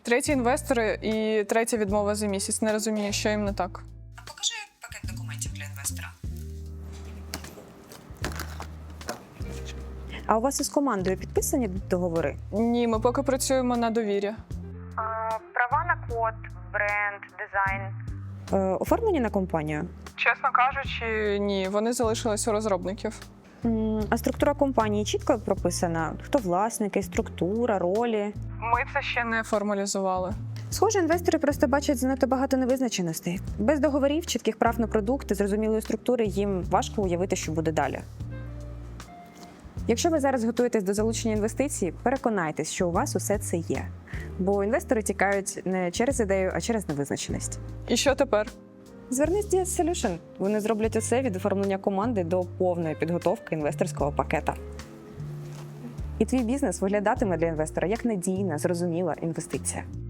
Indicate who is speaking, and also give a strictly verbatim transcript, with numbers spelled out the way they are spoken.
Speaker 1: Треті інвестори і третя відмова за місяць. Не розумію, що їм не так.
Speaker 2: А покажи пакет документів для інвестора.
Speaker 3: А у вас із командою підписані договори?
Speaker 1: Ні, ми поки працюємо на довір'я.
Speaker 3: Права на код, бренд, дизайн. Е, оформлені на компанію?
Speaker 1: Чесно кажучи, ні, вони залишились у розробників.
Speaker 3: М, А структура компанії чітко прописана? Хто власники, структура, ролі?
Speaker 1: Ми це ще не формалізували.
Speaker 3: Схоже, інвестори просто бачать занадто багато невизначеностей. Без договорів, чітких прав на продукти, зрозумілої структури їм важко уявити, що буде далі. Якщо ви зараз готуєтесь до залучення інвестицій, переконайтесь, що у вас усе це є. Бо інвестори тікають не через ідею, а через невизначеність.
Speaker 1: І що тепер?
Speaker 3: Звернись до Діас Solution. Вони зроблять усе від оформлення команди до повної підготовки інвесторського пакета. І твій бізнес виглядатиме для інвестора як надійна, зрозуміла інвестиція.